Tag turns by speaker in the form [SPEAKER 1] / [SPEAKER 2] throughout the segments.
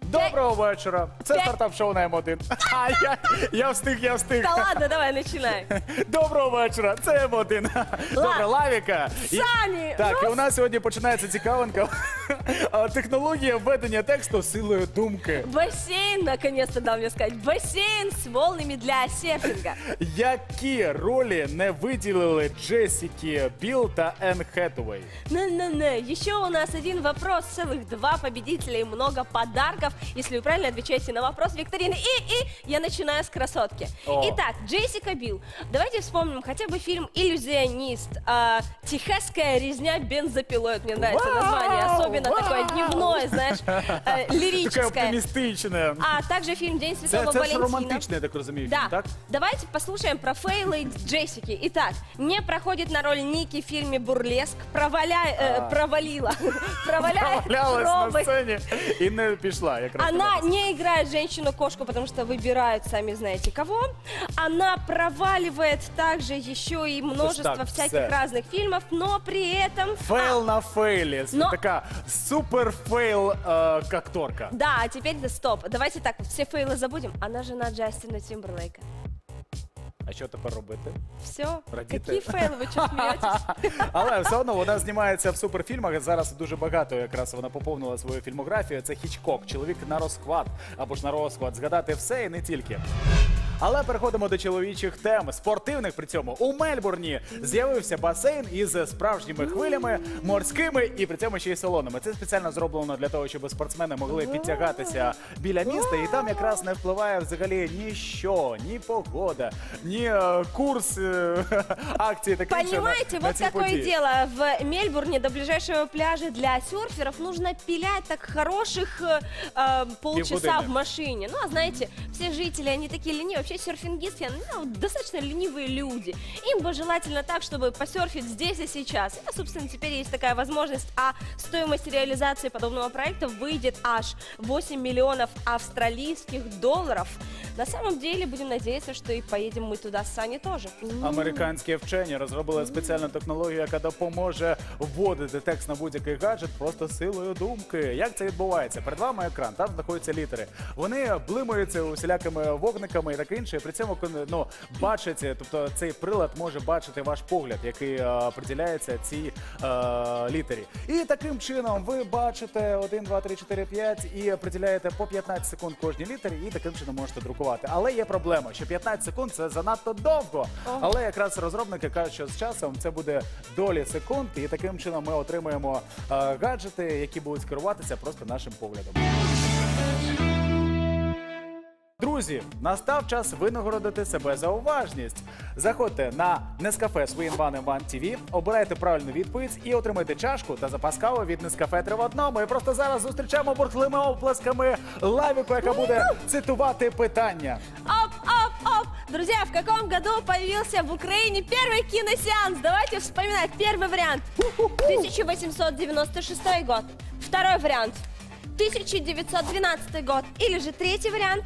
[SPEAKER 1] Доброго вечора. Це стартап-шоу на М1. Я встиг.
[SPEAKER 2] Да ладно, давай, начинай.
[SPEAKER 1] Доброго вечора. Це М1. Добре, Лавіка.
[SPEAKER 2] Сані,
[SPEAKER 1] Так, і у нас сьогодні починається цікавинка. Технологія введення тексту силою думки.
[SPEAKER 2] Бассейн, наконец-то дал мне сказать. Бассейн с волнами для серфинга.
[SPEAKER 1] Які ролі не виділили Джесіки Біл та Енн Хетуей?
[SPEAKER 2] Не-не-не, еще у нас один вопрос, целых 2 победителя и много подарков, если вы правильно отвечаете на вопрос викторины. И я начинаю с красотки.
[SPEAKER 1] О.
[SPEAKER 2] Итак, Джессика Билл. Давайте вспомним хотя бы фильм «Иллюзионист». «Техасская резня бензопилой». Вот мне нравится название, особенно такое дневное, знаешь,
[SPEAKER 1] Таке
[SPEAKER 2] лирическое.
[SPEAKER 1] оптимістичне.
[SPEAKER 2] А также фильм «День Святого
[SPEAKER 1] Це ж
[SPEAKER 2] Валентина».
[SPEAKER 1] романтичний, я так розумію,
[SPEAKER 2] Да.
[SPEAKER 1] фільм, так?
[SPEAKER 2] Давайте послушаем про фейлы Джессики. Итак, не проходит на роль Ники в фильме «Бурлеск», провалила
[SPEAKER 1] Валялась на
[SPEAKER 2] робот.
[SPEAKER 1] сцені і не пішла. Якраз
[SPEAKER 2] Она не играет женщину-кошку, потому что выбирают сами знаете кого. Она проваливает также еще и множество
[SPEAKER 1] так,
[SPEAKER 2] всяких
[SPEAKER 1] все.
[SPEAKER 2] разных фильмов, но при этом...
[SPEAKER 1] Фейл на фейлі.
[SPEAKER 2] Но-
[SPEAKER 1] Така супер фейл акторка.
[SPEAKER 2] Да, а теперь стоп. Давайте так, все фейлы забудем. Она жена Джастина Тимберлейка.
[SPEAKER 1] А що тепер робити?
[SPEAKER 2] Все.
[SPEAKER 1] Радіти.
[SPEAKER 2] Какие фейлы, вы что смеетесь?
[SPEAKER 1] Але все одно вона знімається в суперфільмах. Зараз дуже багато якраз вона поповнила свою фільмографію. Це Хічкок, чоловік на розхват або ж на розхват. Згадати все і не тільки. Але переходимо до чоловічих тем. Спортивних при цьому. У Мельбурні з'явився басейн із справжніми хвилями, морськими і при цьому ще й солоними. Це спеціально зроблено для того, щоб спортсмени могли підтягатися біля міста. І там якраз не впливає взагалі ніщо, ні погода, ні курс акцій таке інше
[SPEAKER 2] Понимаете,
[SPEAKER 1] на
[SPEAKER 2] вот
[SPEAKER 1] ці
[SPEAKER 2] какое
[SPEAKER 1] події.
[SPEAKER 2] дело. В Мельбурне до ближайшего пляжа для серферов нужно пилять так хороших полчаса
[SPEAKER 1] Полгода.
[SPEAKER 2] в машине. Ну, а знаете, все жители, они такие ленивые. Вообще серфингисты, ну, достаточно ленивые люди. Им бы желательно так, чтобы посерфить здесь и сейчас. И, собственно, теперь есть такая возможность. А стоимость реализации подобного проекта выйдет аж 8 миллионов австралийских долларов. На самом деле, будем надеяться, что и поедем мы туда с Саней тоже.
[SPEAKER 1] Американські вчені розробили спеціальну технологію, яка допоможе вводити текст на будь-який гаджет просто силою думки. Як це відбувається? Перед вами екран, там знаходяться літери. Вони блимаються усілякими вогниками і таке інше. І при цьому бачать, тобто цей прилад може бачити ваш погляд, який приділяється цій літері. І таким чином ви бачите 1, 2, 3, 4, 5 і приділяєте по 15 секунд кожній літері і таким чином можете друкувати. Але є проблема, що 15 секунд це занадто довго. Але якраз розробники кажуть, що з часом це буде долі секунд, і таким чином ми отримаємо гаджети, які будуть керуватися просто нашим поглядом. Друзі, настав час винагородити себе за уважність. Заходьте на Nescafe Swing One One TV, обирайте правильну відповідь і отримайте чашку та запас кави від Nescafe 3 в одному. І просто зараз зустрічаємо бурхливими оплесками Лавіку, яка буде цитувати питання.
[SPEAKER 2] Оп! Друзья, в каком году появился в Украине первый киносеанс? Давайте вспоминать. Первый вариант 1896 год. Второй вариант 1912 год. Или же третий вариант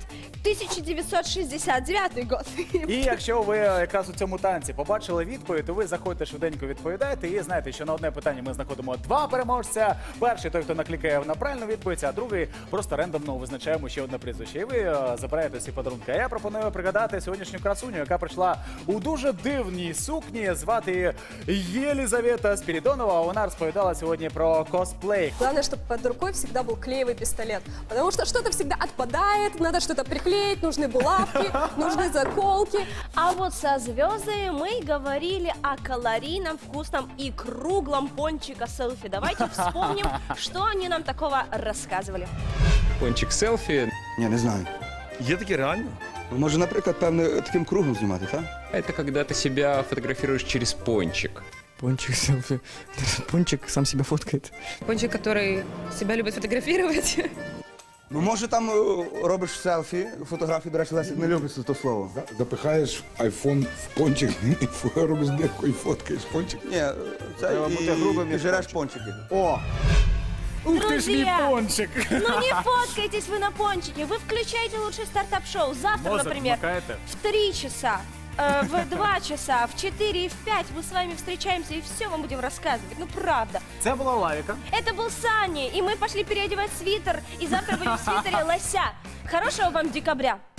[SPEAKER 2] 1969 год.
[SPEAKER 1] І якщо ви якраз у цьому танці побачили відповідь, то ви заходите швиденько відповідаєте і знаєте, що на одне питання ми знаходимо 2 переможця. Перший той, хто наклікає на правильну відповідь, а другий просто рандомно визначаємо ще одне прізвище. І ви забираєте всі подарунки. А я пропоную пригадати сьогоднішню красуню, яка прийшла у дуже дивній сукні. Звати її Єлізавета Спірідонова. Вона розповідала сьогодні про косплей.
[SPEAKER 3] Главное, чтобы под рукой всегда был клеевый пистолет. Потому что что-то всегда отпадает, надо что-то приклеить, нужны булавки, нужны заколки.
[SPEAKER 2] А вот со звездами мы говорили о калорийном, вкусном и круглом пончика селфи. Давайте вспомним, что они нам такого рассказывали.
[SPEAKER 4] Пончик селфі
[SPEAKER 5] Ні, не знаю.
[SPEAKER 6] Є таке реально?
[SPEAKER 5] Може, наприклад, певне таким кругом знімати, так?
[SPEAKER 4] – это когда ты себя фотографируешь через пончик.
[SPEAKER 6] Пончик селфі. Пончик сам себе фоткает.
[SPEAKER 7] Пончик, который себя любит фотографировать.
[SPEAKER 5] Ну, може, там робиш селфі, фотографії, до речі, Лесик не любить це слово.
[SPEAKER 8] Запихаєш айфон в пончик, і робиш дирку і фоткаєш пончик.
[SPEAKER 5] Ні, це
[SPEAKER 1] Треба бути грубим,
[SPEAKER 5] і
[SPEAKER 1] як
[SPEAKER 5] жереш
[SPEAKER 1] пончик.
[SPEAKER 5] пончики.
[SPEAKER 1] О! Ух ти ж мій
[SPEAKER 2] Друзья!
[SPEAKER 1] пончик!
[SPEAKER 2] Ну не фоткайтесь вы на пончике, вы включайте лучше стартап-шоу. Завтра,
[SPEAKER 1] Мозок
[SPEAKER 2] например,
[SPEAKER 1] вмикаєте?
[SPEAKER 2] в 3 часа в 2 часа, в 4 и в 5 мы с вами встречаемся и все вам будем рассказывать. Ну, правда.
[SPEAKER 1] Це була Лавіка.
[SPEAKER 2] Это был Саня, и мы пошли переодевать свитер, и завтра будем в свитере лося. Хорошего вам декабря.